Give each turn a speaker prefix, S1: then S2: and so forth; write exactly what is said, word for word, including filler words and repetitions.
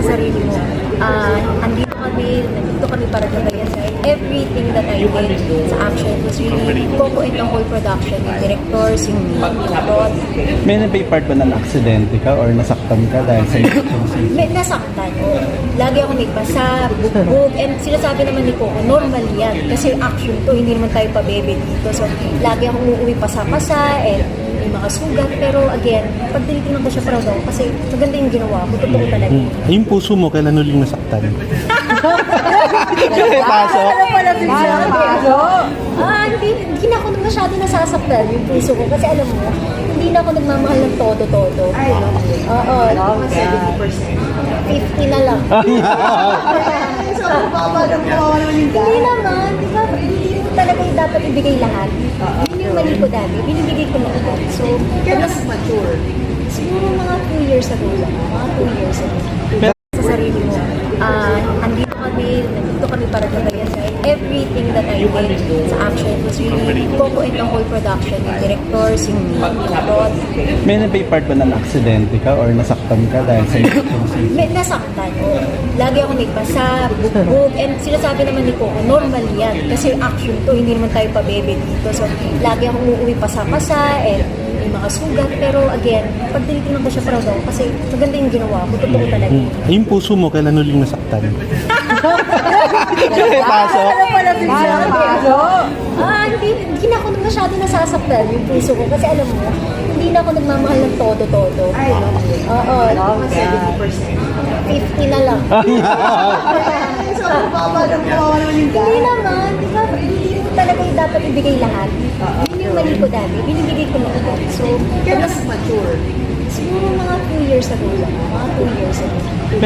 S1: sarili mo. Ah, andito kami, nandito kami para gabayan sa everything that I did sa action was really Coco and the whole production, yung directors, yung plot.
S2: May nabay part ba na aksidente ka or nasaktan ka dahil sa action scene?
S1: May nasaktan, oo. Lagi ako may pasa, bugbog, and sila sabi naman ni Coco, normal yan. Kasi action to, hindi naman tayo pabebe dito. So, lagi akong uuwi pasa-pasa, and may mga sugat. Pero again, pag tinitingnan ko siya, proud ako kasi maganda yung ginawa ko, totoo talaga.
S3: Hmm. Yung puso mo, kailan huling nasaktan?
S2: Kaya paso?
S1: Ano pala din siya? Ah, hindi, hindi na ako masyado nasasaktan yung puso ko. Kasi alam mo, hindi na ako nagmamahal ng todo-todo. Ay, no? Oo. seventy percent. fifty na lang. So, kawawa naman yung guy. Hindi naman. Di ba? Hindi mo talaga yung dapat ibigay lahat. Yun yung mali ko dati. Binibigay ko lahat. So, kaya mas mature. Siguro mga two years ago lang. Mga two years ago. Sa sarili mo. Ah, andito kami, nandito kami para gabayan sa everything that I did sa action was really Coco and the whole production, yung directors, yung plot.
S2: May nabay part ba na aksidente ka or nasaktan ka dahil sa action scene?
S1: May nasaktan, oo. Lagi ako may pasa, bugbog, and sila sabi naman ni Coco, normal yan. Kasi action to, hindi naman tayo pabebe dito. So, lagi akong uuwi pasa-pasa, and may mga sugat. Pero again, pag tinitingnan ko siya, proud ako kasi maganda yung ginawa ko, totoo talaga.
S3: Hmm. Yung puso mo, kailan huling nasaktan?
S2: Kaya paso?
S1: Ano pala din siya? Ah, hindi, hindi na ako masyado nasasaktan yung puso ko. Kasi alam mo, hindi na ako nagmamahal ng todo-todo. Ay, no? Oo. seventy percent. fifty na lang. So, kawawa naman yung guy. Hindi naman. Di ba? Hindi mo talaga yung dapat ibigay lahat. Yun yung mali ko dati. Binibigay ko lahat. So, kaya mas mature. Siguro mga two years ago lang. Mga two years ago.